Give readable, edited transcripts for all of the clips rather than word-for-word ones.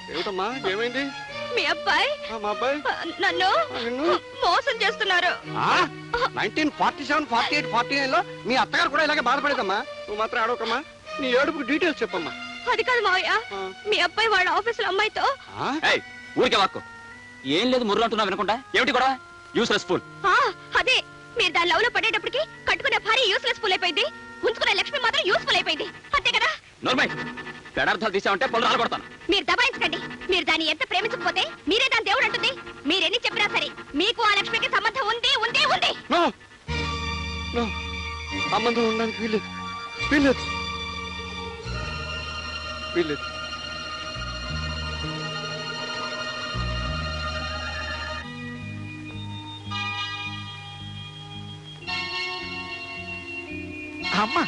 ఏమిటమ్మా ఏమైంది? మీ అబ్బాయి మా అబ్బాయి నన్ను మోసం చేస్తున్నారు. 1947, 48, 49 లో మీ అత్తగారు కూడా ఇలాగే బాధపడేదమ్మా. నువ్వు మాత్రం ఆడవకమ్మా. నీ ఏడుపుకి డీటెయిల్స్ చెప్పమ్మా. అది కాదు మావయ్య, మీ అబ్బాయి వాళ్ళ ఆఫీసులో అమ్మాయితో. ఊరికే వాక్కు. ఏం లేదు ముర్రు అంటున్నావు వినకుండా. ఏమిటి కూడా యూస్లెస్ ఫుల్. అదే మీరు దాని లవ్ లో పడేటప్పటికి కట్టుకునే భార్య యూస్లెస్ ఫుల్ అయిపోయింది, ఉంచుకునే లక్ష్మి మాత్రం యూస్ఫుల్ అయిపోయింది. అంతే కదా? నోర్మై పెడార్థాలు తీసామంటే పళ్ళు రాలగొడతాను. మీరు దబాయించకండి. మీరు దాన్ని ఎంత ప్రేమించకపోతే మీరే దాని దేవుడు అంటుంది. మీరెన్ని చెప్పినా సరే మీకు ఆ లక్ష్మికి సంబంధం ఉంది ఉంది ఉంది. సంబంధం ఉండడానికి వీల్లేదు, వీల్లేదు, వీల్లేదు. అమ్మా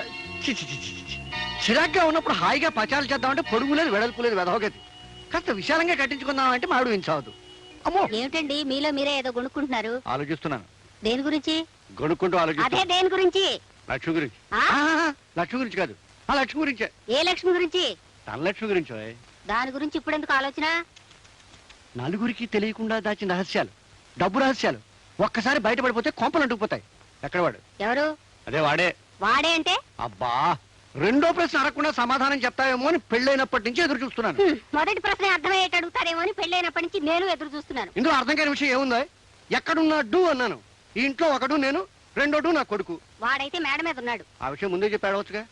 చిరాగ్గా ఉన్నప్పుడు హాయిగా పచాలు చేద్దామంటే పొడుగు లేదు వెడల్పు లేదు వెదవగది. కాస్త విశాలంగా కట్టించుకుందామంటే మాడు వించావద్దు. అమ్మో ఏమిటండి మీలో మీరే ఏదో కొనుక్కుంటున్నారు? ఆలోచిస్తున్నాను. దేని గురించి? కొనుక్కుంటూ అదే ఆలోచిస్తున్నా. దేని గురించి? లక్ష్మి గురించి. లక్ష్మి గురించి కాదు, ఆ లక్ష్మి గురించే. ఏ లక్ష్మి గురించి? ధనలక్ష్మి గురించి. దాని గురించి ఇప్పుడు ఎందుకు ఆలోచన? నలుగురికి తెలియకుండా దాచిన రహస్యాలు, డబ్బు రహస్యాలు ఒక్కసారి బయటపడిపోతే కొంపలు అంటుకుపోతాయి. ఎక్కడ వాడు? ఎవరు? అదే వాడే. వాడే అంటే? అబ్బా, రెండో ప్రశ్న అడగకుండా సమాధానం చెప్తావేమో అని పెళ్ళైనప్పటి నుంచి ఎదురు చూస్తున్నాను. మొదటి ప్రశ్న అర్థమయ్యేట అడుగుతారేమో అని పెళ్ళైనప్పటి నుంచి నేను ఎదురు చూస్తున్నాను. ఇందులో అర్థం కాని విషయం ఏముందో? ఎక్కడున్నాడు అన్నాను. ఈ ఇంట్లో ఒకడు నేను, రెండోడు నా కొడుకు. వాడైతే మేడ మీద ఉన్నాడు. ఆ విషయం ముందే చెప్పి అడవచ్చుగా.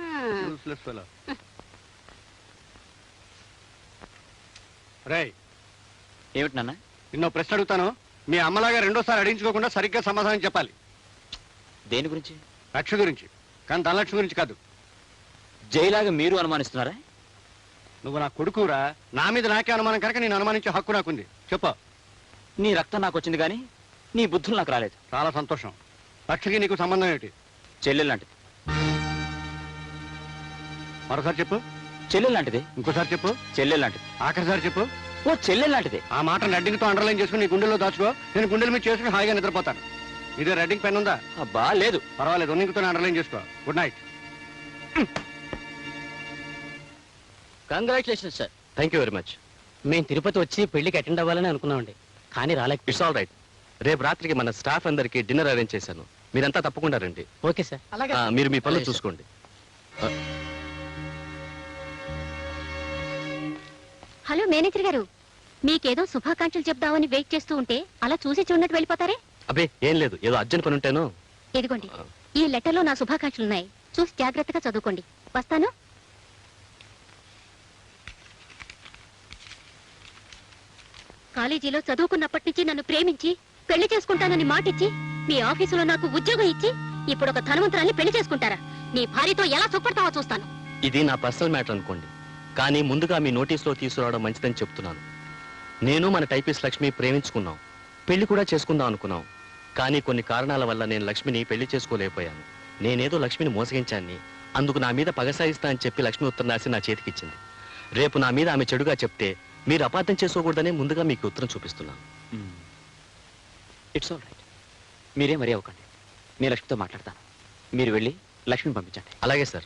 రేయ్, ఏమిటి నాన్న? నిన్నో ప్రశ్న అడుగుతాను. మీ అమ్మలాగా రెండోసారి అడిగించుకోకుండా సరిగ్గా సమాధానం చెప్పాలి. దేని గురించి? లక్ష్మి గురించి, కానీ ధనలక్ష్మి గురించి కాదు. జైలాగా మీరు అనుమానిస్తున్నారా? నువ్వు నా కొడుకురా, నా మీద నాకే అనుమానం కనుక నేను అనుమానించే హక్కు నాకుంది. చెప్పు. నీ రక్తం నాకు వచ్చింది కానీ నీ బుద్ధులు నాకు రాలేదు. చాలా సంతోషం. లక్ష్మికి నీకు సంబంధం ఏమిటి? చెల్లెలు లాంటిది. మరోసారి చెప్పు. చెల్లెలు లాంటిది. ఇంకోసారి చెప్పు. చెల్లెలు లాంటిది. ఆఖరిసారి చెప్పు. ఓ చెల్లెలు లాంటిది. ఆ మాట రెడ్డింగ్తో అండర్లైన్ చేసుకుని నీ గుండెల్లో దాచుకో. నేను గుండెల మీద చేసుకుని హాయిగా నిద్రపోతాను. ఇదే రెడ్డింగ్ పెన్ ఉందా? అబ్బా లేదు. పర్వాలేదు, ఉన్నింగ్తో అండర్లైన్ చేసుకో. Good night. Congratulation sir. Thank you very much. మేము తిరుపతి వచ్చి పెళ్లికి అటెండ్ అవ్వాలని అనుకున్నామండి, కానీ రాలేక. It's all right. రేపు రాత్రికి మన స్టాఫ్ అందరికి డిన్నర్ అరేంజ్ చేశాను. మీరంతా తప్పకుండా రండి. Okay sir. మీరు మీ పనులు చూసుకోండి. హలో మేనేజర్ గారు, మీకేదో శుభాకాంక్షలు చెప్దామని వెయిట్ చేస్తూ ఉంటే అలా చూసి చూడనట్టు వెళ్ళిపోతారే? అబ్బే ఏం లేదు, ఏదో అర్జెంట్ పని ఉంటేను. ఇదిగోండి, ఈ లెటర్లో నా శుభాకాంక్షలున్నాయి. చూసి జాగ్రత్తగా చదువుకోండి. వస్తాను. కాలేజీలో చదువుకున్నప్పటి నుంచి నన్ను ప్రేమించి పెళ్లి చేసుకుంటానని మాటిచ్చి మీ ఆఫీసులో నాకు ఉద్యోగం ఇచ్చి ఇప్పుడు ఒక ధనవంతురాల్ని పెళ్లి చేసుకుంటారా? నీ భార్యతో ఎలా సుఖపడతావో చూస్తాను. ఇది నా పర్సనల్ మ్యాటర్ అనుకోండి, కానీ ముందుగా మీ నోటీసులో తీసుకురావడం మంచిదని చెప్తున్నాను. నేను మన టైపిస్ట్ లక్ష్మి ప్రేమించుకున్నాం, పెళ్లి కూడా చేసుకుందాం అనుకున్నాం. కానీ కొన్ని కారణాల వల్ల నేను లక్ష్మిని పెళ్లి చేసుకోలేకపోయాను. నేనేదో లక్ష్మిని మోసగించాన్ని, అందుకు నా మీద పగ సాయిస్తా అని చెప్పి లక్ష్మి ఉత్తరం రాసి నా చేతికిచ్చింది. రేపు నా మీద ఆమె చెడుగా చెప్తే మీరు అపార్థం చేసుకోకూడదనే ముందుగా మీకు ఉత్తరం చూపిస్తున్నాను. It's all right. మీరే మరీ అవ్వకండి. నేను లక్ష్మితో మాట్లాడతాను. మీరు వెళ్ళి లక్ష్మిని పంపించండి. అలాగే సార్.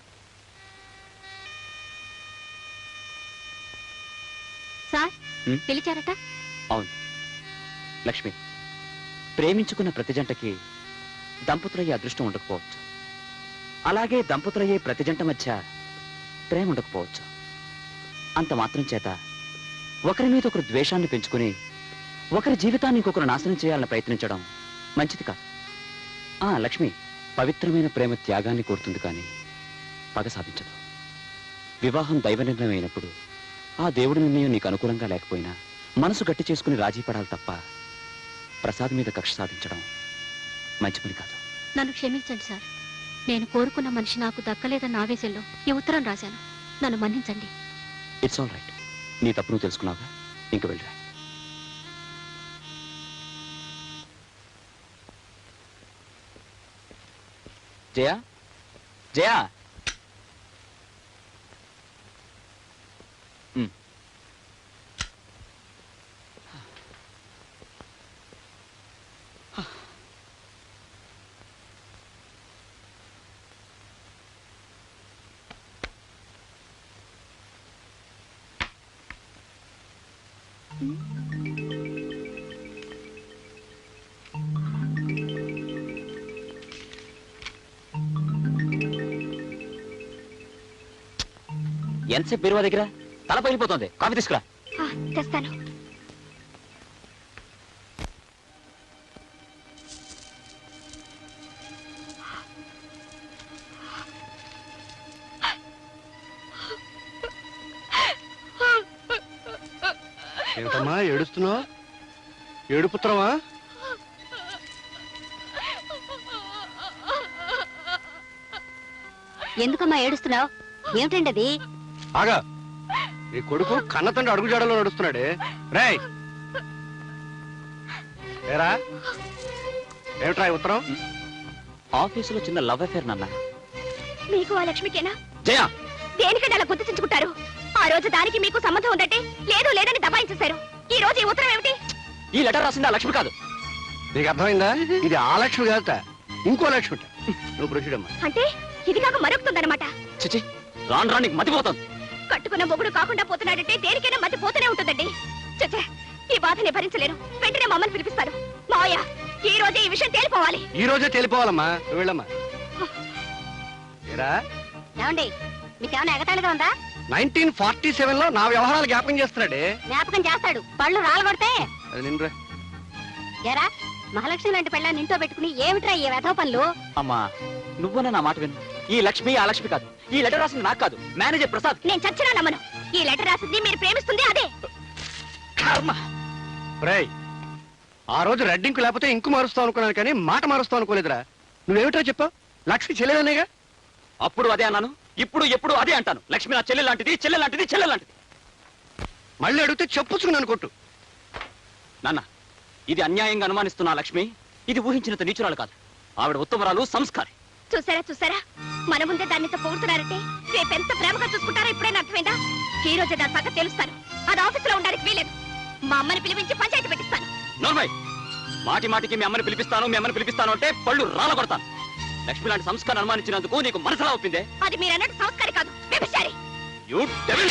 సార్ పిలిచారట? అవును లక్ష్మి, ప్రేమించుకున్న ప్రతి జంటకి దంపతులయ్యే అదృష్టం ఉండకపోవచ్చు. అలాగే దంపతులయ్యే ప్రతి జంట మధ్య ప్రేమ ఉండకపోవచ్చు. అంత మాత్రం చేత ఒకరి మీద ఒకరు ద్వేషాన్ని పెంచుకుని ఒకరి జీవితాన్ని ఇంకొకరు నాశనం చేయాలని ప్రయత్నించడం మంచిది కాదు. లక్ష్మి, పవిత్రమైన ప్రేమ త్యాగాన్ని కోరుతుంది కానీ పగ సాధించదు. వివాహం దైవ నిర్ణయం అయినప్పుడు ఆ దేవుడి నిర్ణయం నీకు అనుకూలంగా లేకపోయినా మనసు గట్టి చేసుకుని రాజీ పడాలి తప్ప ప్రసాద్ మీద కక్ష సాధించడం మంచి పని కాదు. నన్ను క్షమించండి సార్. నేను కోరుకున్న మనిషి నాకు దక్కలేదన్న ఆవేశంలో ఈ ఉత్తరం రాశాను. నన్ను మన్నించండి. It's all right. నీ తప్పు నువ్వు తెలుసుకున్నావుగా, ఇంక వెళ్ళరా. జయా, జయా. ఎంతసేపు బీరువా దగ్గర తల పగిలిపోతుంది. కాఫీ తీసుకురా. తెస్తాను. ఏమిటమ్మా ఏడుస్తున్నావు? ఏడుపుత్రమా? ఎందుకమ్మా ఏడుస్తున్నావు? ఏమిటండి అది? ఆగా, నీ కొడుకు కన్నతండ్రి అడుగుజాడలో నడుస్తున్నాడే. రేయ్ ఏరా, ఏమిట్రా ఈ ఉత్తరం? ఆఫీసులో చిన్న లవ్ అఫేర్ నాన్న. మీకు ఆ లక్ష్మికేనా? జయ, దేనికంటే అలా గుర్తించుకుంటారు? ఆ రోజు దానికి మీకు సంబంధం ఉందంటే లేదు లేదని దబాయించేశారు. ఈ రోజు ఈ ఉత్తరం ఏమిటి? ఈ లెటర్ రాసింది ఆ లక్ష్మి కాదు. నీకు అర్థమైందా? ఇది ఆ లక్ష్మి కాదట, ఇంకో లక్ష్మి. నువ్వు ప్రొసీడమ్మా. అంటే ఇది కాక మరొకుతుందన్నమాట. చిచి, రాను రాను నీకు మతిపోతుంది. కట్టుకున్న మొగుడు కాకుండా పోతున్నాడంటే దేనికైనా మధ్య పోతూనే ఉంటుందండి. చచ్చా, ఈ బాధని భరించలేరు. వెంటనే మమ్మల్ని పిలిపిస్తారు. మావయ్య, ఈ రోజే ఈ విషయం తేలిపోవాలి. ఈ రోజే తేలిపోవాలమ్మా. నువ్వు వెళ్ళమ్మా. ఏరా, ఏమండి, మీకేమైనా ఎగతాళిగా ఉందా? 1947 లో నా వ్యవహారాలు జ్ఞాపకం చేస్తున్నాడే. జ్ఞాపకం చేస్తాడు, పళ్ళు రాలగొడితే. అది నిన్నురా. ఎరా, మహాలక్ష్మి లాంటి పెళ్ళాన్ని ఇంట్లో పెట్టుకుని ఏమిట్రా ఈ వెధవ పనులు? అమ్మా, నువ్వన్నా నా మాట విను. ఈ లక్ష్మి ఆ లక్ష్మి కాదు. ఈ లెటర్ రాసింది నాకు కాదు, మేనేజర్ ప్రసాద్. నేను చచ్చినా నమ్మను. ఈ లెటర్ రాసింది మీరు ప్రేమిస్తుంది అదే. కర్మ. రేయ్, ఆ రోజు రెడ్డింకు లేకపోతే ఇంకు మారుస్తావు అనుకున్నాను, కానీ మాట మారుస్తావు అనుకోలేదురా. నువ్వేమిటో చెప్పావు? లక్ష్మి చెల్లెదనేగా. అప్పుడు అదే అన్నాను, ఇప్పుడు ఎప్పుడు అదే అంటాను. లక్ష్మి నా చెల్లె లాంటిది, చెల్లె లాంటిది, చెల్లె లాంటిది. మళ్ళీ అడిగితే చెప్పుచ్చుకున్నాను కొట్టు. నాన్న, ఇది అన్యాయంగా అనుమానిస్తున్న ఆ లక్ష్మి ఇది ఊహించినంత నీచురాలు కాదు. ఆవిడ ఉత్తమరాలు, సంస్కారి. చూసారా చూసారా, మన ముందే దాన్ని ఇంత పొగుడుతున్నారంటే రేపెంత ప్రేమగా చూసుకుంటారో ఇప్పుడైనా అర్థమైందా? ఈ రోజే దాని పక్క తెలుస్తాను. అది ఆఫీసులో ఉండడానికి వీలేదు. మా అమ్మని పిలిపించి పంచాయతీ పెట్టిస్తాను. నోర్మై, మాటి మాటికి మీ అమ్మని పిలిపిస్తాను, మీ అమ్మని పిలిపిస్తాను అంటే పళ్ళు రాలగొడతాను. లక్ష్మి లాంటి సంస్కారం అనుమానించినందుకు నీకు మనసులా ఒప్పిందే? అది మీరు అన్నట్టు సంస్కారి కాదు, వ్యభిచారి. You devil!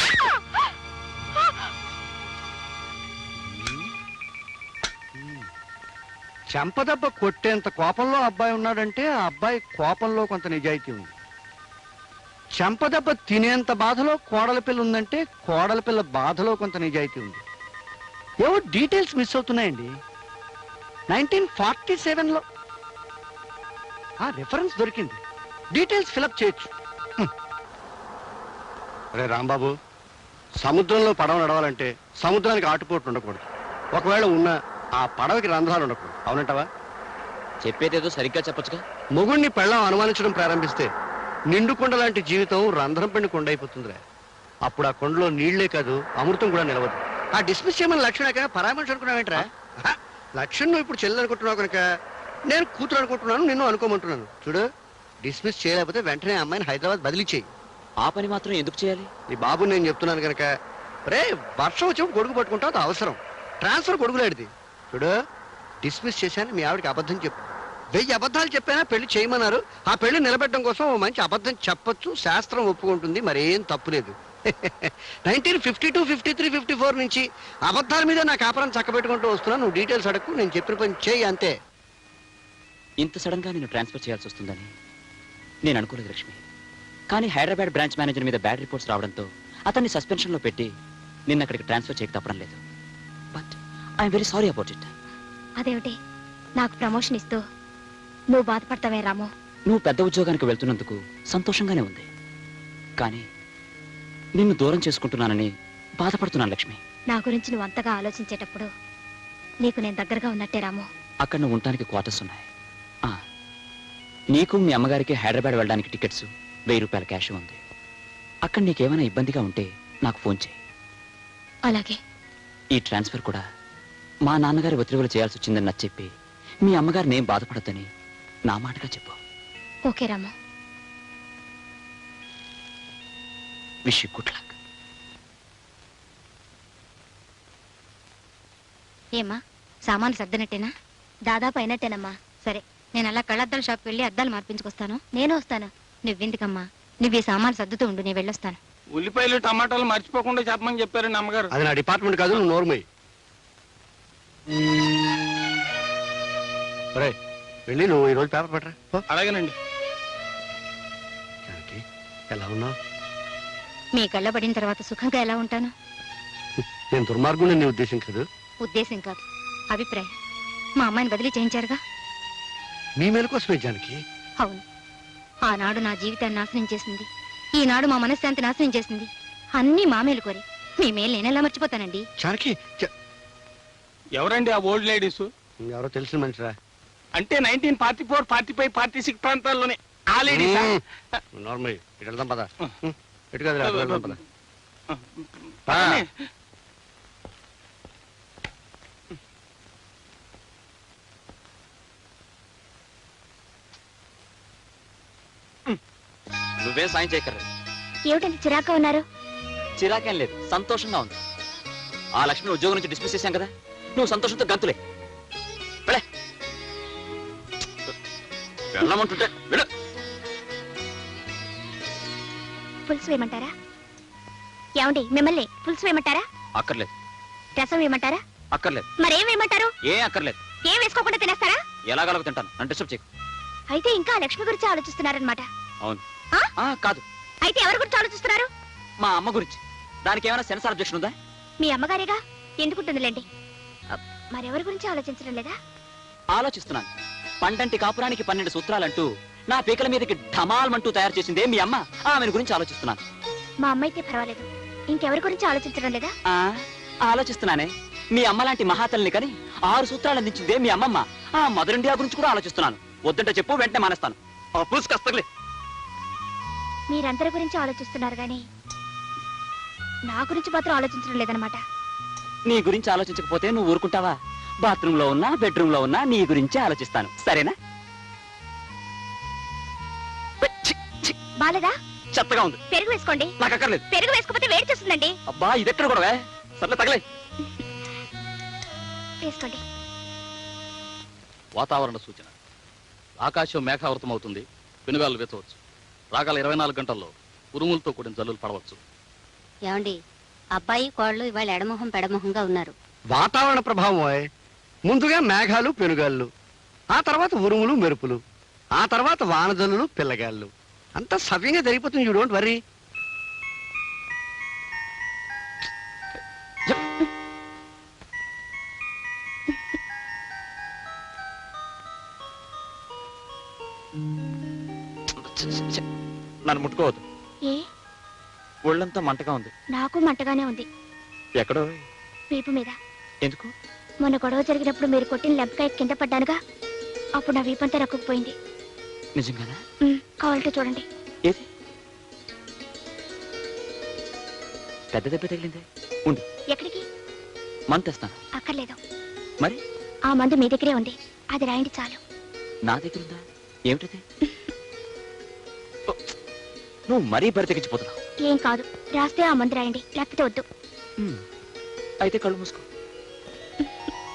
చెంపదెబ్బ కొట్టేంత కోపంలో అబ్బాయి ఉన్నాడంటే ఆ అబ్బాయి కోపంలో కొంత నిజాయితీ ఉంది. చెంపదెబ్బ తినేంత బాధలో కోడల పిల్ల ఉందంటే కోడల పిల్ల బాధలో కొంత నిజాయితీ ఉంది. ఏవో డీటెయిల్స్ మిస్ అవుతున్నాయండి. 1947లో ఆ రిఫరెన్స్ దొరికింది. డీటెయిల్స్ ఫిలప్ చేయొచ్చు. అరే రాంబాబు, సముద్రంలో పడవ నడవాలంటే సముద్రానికి ఆటుపోట్లు ఉండకూడదు. ఒకవేళ ఉన్నా ఆ పడవకి రంధ్రాలు ఉండకూడదు. అవునంటావా? చెప్పేదేదో సరిగ్గా చెప్పొచ్చుగా. మొగుణ్ణి పెళ్ళం అనుమానించడం ప్రారంభిస్తే నిండు కొండ లాంటి జీవితం రంధ్రం పెండి కొండ అయిపోతుందిరా. అప్పుడు ఆ కొండలో నీళ్లే కాదు, అమృతం కూడా నిలవదు. ఆ డిస్మిస్ చేయమని లక్ష్మణ పరామర్శ అనుకున్నావేంట్రా? లక్ష్మణ్ నువ్వు ఇప్పుడు చెల్లెలు అనుకుంటున్నావు కనుక నేను కూతురు అనుకుంటున్నాను, నిన్ను అనుకోమంటున్నాను. చూడు, డిస్మిస్ చేయలేకపోతే వెంటనే అమ్మాయిని హైదరాబాద్ బదిలీ చేయి. ఆ పని మాత్రం ఎందుకు చేయాలి? నీ బాబు నేను చెప్తున్నాను కనుక. రే, వర్షం వచ్చినప్పుడు గొడుగు పట్టుకుంటావు, అది అవసరం. ట్రాన్స్ఫర్ గొడుగులాడిది. చూడు, డిస్మిస్ చేశాను, మీ ఆవిడకి అబద్ధం చెప్పు. 1000 అబద్ధాలు చెప్పానా పెళ్లి చేయమన్నారు. ఆ పెళ్లి నిలబెట్టడం కోసం ఓ మంచి అబద్ధం చెప్పొచ్చు, శాస్త్రం ఒప్పుకుంటుంది, మరేం తప్పులేదు. 1952, 53, 54 నుంచి అబద్ధాల మీద నా కాపురం చక్కబెట్టుకుంటూ వస్తున్నా. నువ్వు డీటెయిల్స్ అడగకు, నేను చెప్పిన పని చేయి అంతే. ఇంత సడన్ గా నేను ట్రాన్స్ఫర్ చేయాల్సి వస్తుందని నేను అనుకోలేదు లక్ష్మి. కానీ హైదరాబాద్ బ్రాంచ్ మేనేజర్ మీద బ్యాడ్ రిపోర్ట్స్ రావడంతో అతన్ని సస్పెన్షన్ లో పెట్టి నిన్న అక్కడికి ట్రాన్స్ఫర్ చేయక తప్పడం లేదు. But I'm very sorry about it. అదేమిటి, నాకు ప్రమోషన్ ఇస్తూ నువ్వు బాధపడతావే రాము? నువ్వు పెద్ద ఉద్యోగానికి వెళ్తున్నందుకు సంతోషంగానే ఉంది, కానీ నిన్ను దూరం చేసుకుంటున్నానని బాధపడుతున్నాను లక్ష్మి. నా గురించి నువ్వు అంతగా ఆలోచించేటప్పుడు నీకు నేను దగ్గరగా ఉన్నట్టే రాము. అక్కడ నువ్వు ఉండటానికి క్వార్టర్స్ ఉన్నాయి. నీకు మీ అమ్మగారికి హైదరాబాద్ వెళ్ళడానికి టికెట్స్, 1000 రూపాయల క్యాష్ ఉంది. అక్కడ నీకేమైనా ఇబ్బందిగా ఉంటే నాకు ఫోన్ చేయి. అలాగే. ఈ ట్రాన్స్ఫర్ కూడా మా నాన్నగారి ఒత్తిడిలో చేయాల్సి వచ్చిందని నచ్చ చెప్పి మీ అమ్మగారు నేను బాధపడద్దని నా మాటగా చెప్పు. Okay Ramu. Wish you good luck. ఏమ్మా, సామాన్లు సర్దినట్టేనా? దాదాపు అయినట్టేనమ్మా. సరే, నేను అలా కళ్ళద్దాల షాప్కి వెళ్ళి అద్దాలు మార్పించుకొస్తాను. నేను వస్తాను. నువ్వెందుకమ్మా, నువ్వు ఈ సామాన్లు సర్దుతూ ఉండు, నేను వెళ్ళొస్తాను. ఉల్లిపాయలు టమాటాలు మర్చిపోకుండా చెప్పమని చెప్పారండి అమ్మగారు. అది నా డిపార్ట్మెంట్ కాదు, నువ్వు నోర్మయ్యి. ఒరేయ్, వెళ్ళి నువ్వు ఈరోజు పేపర్ పట్టరా పో. అలాగేనండి. జానకి, ఎలా ఉన్నావు? మీ కళ్ళ పడిన తర్వాత సుఖంగా ఎలా ఉంటాను? నేను దుర్మార్గుని నీ ఉద్దేశం కాదు. ఉద్దేశం కాదు, అభిప్రాయం. మా అమ్మాయిని బదిలీ చేయించారుగా. మీ మేలు కోసమే జానకి. అవును, ఆనాడు నా జీవితాన్ని నాశనం చేసింది, ఈనాడు మా మనశ్శాంతి నాశనం చేసింది. అన్నీ మా మేలు కోరి. మీ మేలు నేనెలా మర్చిపోతానండి? జానకి, ఎవరండి ఆ ఓల్డ్ లేడీస్? ఎవరో తెలిసిన మనిషిరా. అంటే 1944, 45, 46 ప్రాంతాల్లోనే ఆ లేడీస్. నార్మల్ ఇటు వెళ్దాం పద. ఇటు కాదురా, అటు వెళ్దాం పద. నువ్వేం సాయం చేయక్కర్లేదు. ఏమిటండి చిరాగ్గా ఉన్నారు? చిరాకేం లేదు, సంతోషంగా ఉంది. ఆ లక్ష్మిని ఉద్యోగం నుంచి డిస్మిస్ చేశాం కదా, నువ్వు సంతోషంతో గంతులే. వెళ్ళే, వెళ్ళమంటుంటే వెళ్ళు. పులుసు వేయమంటారా? ఏమండి, మిమ్మల్ని పులుసు వేయమంటారా? అక్కర్లేదు. రసం వేయమంటారా? అక్కర్లేదు. మరేం వేయమంటారు? ఏం అక్కర్లేదు. ఏం వేసుకోకుండా తినేస్తారా? ఎలాగలగ తింటాను, నన్ను డిస్టర్బ్ చేయకు. అయితే ఇంకా లక్ష్మి గురించి ఆలోచిస్తున్నారనమాట. అవును. ఆ? కాదు, అయితే ఎవరి గురించి ఆలోచిస్తున్నారు? మా అమ్మ గురించి. దానికి ఏమైనా సెన్సార్ అబ్జెక్షన్ ఉందా? మీ అమ్మగారిగా, ఎందుకుంటుందిలేండి. మరెవరి గురించి ఆలోచించడం లేదా? ఆలోచిస్తున్నాను. పండంటి కాపురానికి 12 సూత్రాలంటూ నా పీకల మీదకి ఢమాల్మంటూ తయారు చేసిందే మీ అమ్మ. ఆమెను గురించి ఆలోచిస్తున్నాను. మా అమ్మ అయితే పర్వాలేదు, ఇంకెవరి గురించి ఆలోచించడం లేదా? ఆలోచిస్తున్నానే. మీ అమ్మ లాంటి మహాతల్ని కని 6 సూత్రాలు అందించిందే మీ అమ్మమ్మ. ఆ మదర్ ఇండియా గురించి కూడా ఆలోచిస్తున్నాను. వద్దంటే చెప్పు, వెంటనే మానేస్తాను. పూసుకస్తలే. మీరందరి గురించి ఆలోచిస్తున్నారు గాని నా గురించి మాత్రం ఆలోచించడం లేదనమాట. నీ గురించి ఆలోచించకపోతే నువ్వు ఊరుకుంటావా? బాత్రూమ్ లో ఉన్నా, బెడ్రూమ్ లో ఉన్నా నీ గురించే ఆలోచిస్తాను. సరేనా? బాలేదా? చెత్తగా ఉంది. పెరుగు వేసుకోండి. నాకు అక్కర్లేదు. పెరుగు వేసుకోకపోతే వేడి చేస్తుందండి. అబ్బా, ఇదెక్కడ కూడా సర్లే, తగలే. వేసుకోండి. వాతావరణ సూచన. ఆకాశం మేఘావృతం అవుతుంది. పెనుగాలు వేచవచ్చు. రాగల 24 గంటల్లో ఉరుములతో కూడిన జల్లులు పడవచ్చు. ఏమండి, అబ్బాయి కోళ్ళు ఇవాళ ఎడమొహం పెడమొహంగా ఉన్నారు. వాతావరణ ప్రభావం ఓయ్. ముందుగా మేఘాలు పెనుగాళ్ళు, ఆ తర్వాత ఉరుములు మెరుపులు, ఆ తర్వాత వానజల్లులు పిల్లగాళ్ళు. అంతా సవ్యంగా జరిగిపోతుంది. You don't worry. నన్ను ముట్టుకోవద్దు. ఏ? ఒళ్ళంతా మంటగా ఉంది. నాకు మంటగానే ఉంది. ఎక్కడో? వీపు మీద. ఎందుకు? మొన్న గొడవ జరిగినప్పుడు మీరు కొట్టిన లెంపకాయ కింద పడ్డానుగా, అప్పుడు నా వీపంతా రక్కుపోయింది. నిజంగానా? కావాలంటే చూడండి. ఏది? పెద్ద దెబ్బ తగిలిందే. ఉండు. ఎక్కడికి? మందు తెస్తాను. అక్కర్లేదు. మరి? ఆ మందు మీ దగ్గరే ఉంది, అది రాయండి చాలు. నా దగ్గర ఉందా? ఏమిటది? నువ్వు మరీ బరి తెగించిపోతున్నావు. ఏం కాదు, రాస్తే ఆ మందు రాయండి, లేకపోతే వద్దు. అయితే కళ్ళు మూసుకో.